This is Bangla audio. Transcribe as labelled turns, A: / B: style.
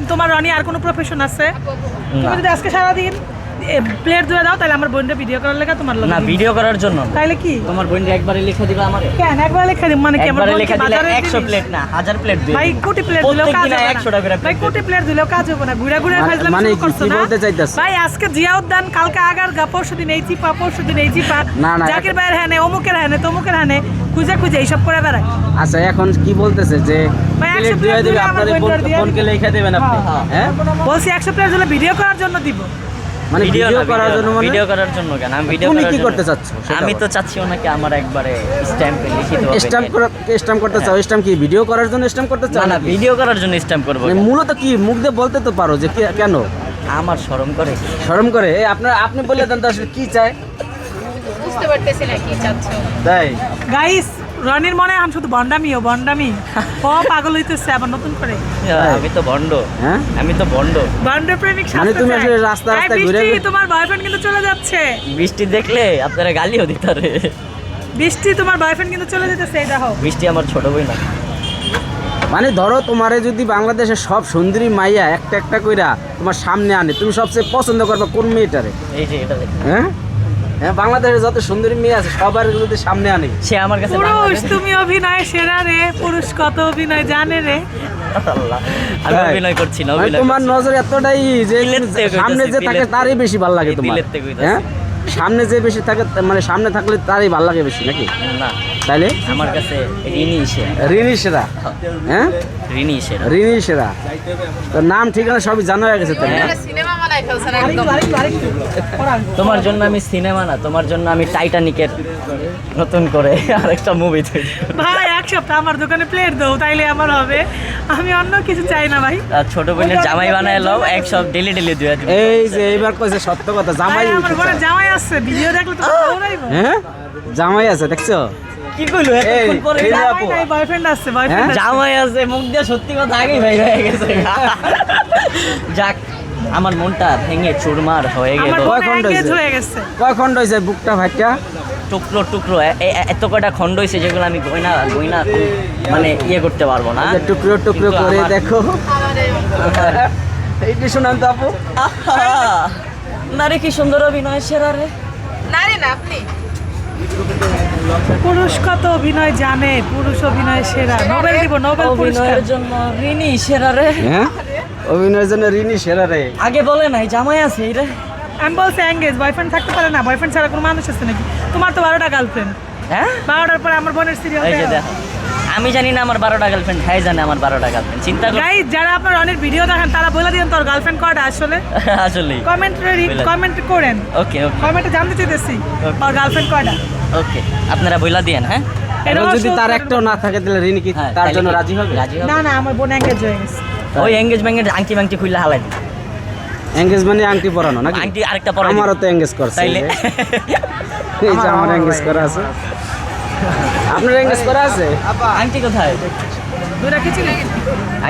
A: তোমার রনি আর কোনো প্রফেশন আছে? তুমি যদি আজকে সারাদিন প্লেট ধুয়ে দাও তাহলে আমার বোনটা ভিডিও করার লেগে তোমার লোক
B: না ভিডিও করার জন্য
A: তাহলে কি
B: তোমার বোনটা একবারে লিখে দিবা আমারে?
A: কেন একবার লেখা দিই মানে কি আমার
B: একবারে
A: বোন
B: লিখে দিলে 100 প্লেট না 1000 প্লেট দিই
A: ভাই কোটি প্লেট দিলেও কাজ হবে না
B: 100 টাকা করে
A: ভাই কোটি প্লেট দিলেও কাজ হবে না ঘুরে ঘুরে ফাইজলাম
C: মানে
A: শুরু করছো
C: কি
A: না
C: বলতে চাইতাছ?
A: ভাই আজকে জিয়াউদ্দান কালকে আগারগা পরশুদিন এই চিপা পরশুদিন এই চিপা
C: না, না,
A: জাকির ভাইয়ের হ্যানে অমুকের হ্যানে তমুকের হ্যানে খুঁজে খুঁজে এইসব করে বেড়ায়
C: আচ্ছা এখন কি বলতেছে যে
A: ভাই, 100
C: প্লেট
A: প্লেট
C: দিয়ে দিবে
A: দিলে আমার
C: আপনার
A: বোনটার দিয়ে
C: ফোনকে লিখে দেবেন আপনি হ্যাঁ
A: বলছি 100 প্লেট দিলে ভিডিও করার জন্য দিব
C: মানে ভিডিও করার জন্য মানে
B: ভিডিও করার জন্য কেন আমি ভিডিও
C: তুমি
B: করার
C: কি
B: জন্য-
C: করতে চাচ্ছ সেটা
B: আমি
C: বলো।
B: তো চাচ্ছি ওনাকে আমার একবারে স্ট্যাম্পে লিখিত ভাবে
C: স্ট্যাম্প করতে চাও স্ট্যাম্প কি ভিডিও করার জন্য স্ট্যাম্প করতে চাও
B: না না
C: নাকি?
B: ভিডিও করার জন্য স্ট্যাম্প করব
C: মানে মূলত কি মুখ দিয়ে বলতে তো পারো যে কেন
B: আমার শরম করে
C: শরম করে এই আপনি বললে দেন তো আসলে কি চায়
D: বুঝতে পারতেছি না কি চাচ্ছ।
C: তাই
A: গাইস রনির মনে হয় শুধু বন্ডামি ও পাগল হইতেছে আবার নতুন করে
B: আমি তো ভন্ড
C: হ্যাঁ
B: আমি তো ভন্ড
A: বন্ড প্রেমিক
C: মানে
A: শাস্ত্র
C: তুমি
A: চায়।
C: আসলে রাস্তা
A: এই
C: রাস্তায়
A: বৃষ্টি,
C: ঘুরে-
A: তোমার বয়ফ্রেন্ড কিন্তু চলে যাচ্ছে
B: বৃষ্টি দেখলে আপনারা গালিও দিতারে
A: বৃষ্টি তোমার বয়ফ্রেন্ড কিন্তু চলে যেতেছে এই দেখো
B: বৃষ্টি আমার ছোট বই না
C: মানে ধরো তোমারে যদি বাংলাদেশের সব সুন্দরী মাইয়া একটা একটা কইরা তোমার সামনে আনে তুমি সবচেয়ে পছন্দ করবে কোন মেয়েটারে
B: এই যে এটা দেখো।
C: হ্যাঁ হ্যাঁ বাংলাদেশের যত সুন্দরী মেয়ে আছে সবার যদি সামনে আনে
B: সে আমার কাছে
A: পুরুষ
B: বাংলাদেশে-
A: তুমি অভিনয় সেরা রে পুরুষ কত অভিনয় জানে রে
B: আল্লাহ, আমি
C: তাই?
B: অভিনয় করছি না
C: মানে
B: অভিনয়
C: তোমার
B: করছি।
C: নজর এতটাই যে
B: দিলের থেকে
C: সামনে যে
B: কইতাছি,
C: থাকে
B: দিলের
C: তারই বেশি ভালো লাগে
B: এই
C: তোমার
B: দিলের থেকে কইতাছি।
C: হ্যাঁ সামনে যে বেশি থাকে মানে সামনে থাকলে তারই ভালো লাগে বেশি নাকি
B: না
C: তাইলে
B: আমার কাছে ঋণী সেরা
C: রিনি সেরা হ্যাঁ
B: ঋণী সেরা
C: রিনি সেরা তোর নাম ঠিকানা সবই জানা হয়ে গেছে তাই না
D: একটা সিনেমা বানাই ফেলছেন
A: আরেকটু
D: একদম।
A: আরেকটু আরেকটু পড়ান।
B: তোমার জন্য আমি সিনেমা না তোমার জন্য আমি টাইটানিকের নতুন করে আরেকটা মুভি তৈরি করব।
A: ভাই এক সপ্তাহ আমার দোকানে প্লেট দাও তাইলে আমার হবে আমি অন্য কিছু চাই না ভাই
B: আর ছোট বোনের জামাই বানায় লও এক সব ডেলি ডেলি দুয়া দিবে
C: এই যে এইবার কইছে সত্য কথা
A: ভাই,
C: জামাই
A: আমার
C: উঠেছে।
A: ঘরে জামাই আছে ভিডিও দেখলে তো দৌড়াইবো
C: হ্যাঁ জামাই আছে দেখছো
B: কি কইলো এতক্ষণ পরে
C: এই
A: জামাই
C: আপু।
A: নাই বয়ফ্রেন্ড আছে বয়ফ্রেন্ড আছে
B: জামাই আছে মুখ দিয়ে সত্যি কথা আগেই ভাই হয়ে গেছে যাক আমার মনটা ভেঙে চুরমার হয়ে গেল
A: আমার
C: কয়
A: ফোন
C: খন্ড
A: এঙ্গেজ
C: হয়েছে?
A: হয়ে গেছে
C: কয় খন্ড হয়েছে বুকটা ভাইটা
B: টুকরো টুকরো এত কয়টা খণ্ড হয়েছে যেগুলো আমি গয়না গয়না মানে ইয়ে করতে পারবো না
C: যে টুকরো টুকরো
B: কিন্তু
C: করে
B: আমার-
C: দেখো এইটা শোনান তো আপু
B: আহা! নারে কি সুন্দর অভিনয় সেরা রে
D: না রে না আপনি
A: পুরুষ কত অভিনয় জানে পুরুষ অভিনয় সেরা নোবেল দিব নোবেল পুরস্কার
B: অভিনয়ের জন্য ঋণী সেরা রে
C: হ্যাঁ অভিনয়ের জন্য রিনি সেরা রে
B: আগে বলে নাই জামাই আছে এই রে
A: আমি বলছি এঙ্গেজ বয়ফ্রেন্ড থাকতে পারে না বয়ফ্রেন্ড ছাড়া কোনো মানুষ আছে নাকি তোমার তো 12টা গার্লফ্রেন্ড
B: হ্যাঁ
A: 12টার পরে আমার বোনের সিরিয়াল
B: এই যে দেখো আমি জানি না আমার 12টা গার্লফ্রেন্ড হ্যাঁ জানে আমার 12টা গার্লফ্রেন্ড চিন্তা কর
A: গাইজ যারা আপনার অনেক ভিডিও দেখেন তারা বলে দিন তোর গার্লফ্রেন্ড কয়টা আসলে
B: আসলে
A: কমেন্ট করেন
B: ওকে ওকে
A: কমেন্টে জানতে চাইতেছি ওর গার্লফ্রেন্ড কয়টা
B: ওকে আপনারা বইলা দিয়েন হ্যাঁ
C: এবং
A: এটাও
C: যদি
A: show
C: তার
A: করবেন।
C: একটাও না থাকে তাহলে রিনি কি
B: হ্যাঁ,
C: তার
B: তাইলে
C: জন্য
B: কি?
C: রাজি হবে
B: রাজি হবে
A: না না আমার বোন এঙ্গেজ হয়ে গেছে
B: ওই এঙ্গেজমেন্টের আংটি মাংটি খুললে হালাই দিই
C: এঙ্গেজ মানে আংটি পরানো নাকি
B: আংটি আরেকটা পরাই
C: আমারও
B: দিবি।
C: তো এঙ্গেজ করছে
B: তাইলে
C: এই যে আমার এঙ্গেজ করা আছে আপনার এঙ্গেজ করা আছে
B: আংটি কোথায়
A: দুইটা খিচুড়ি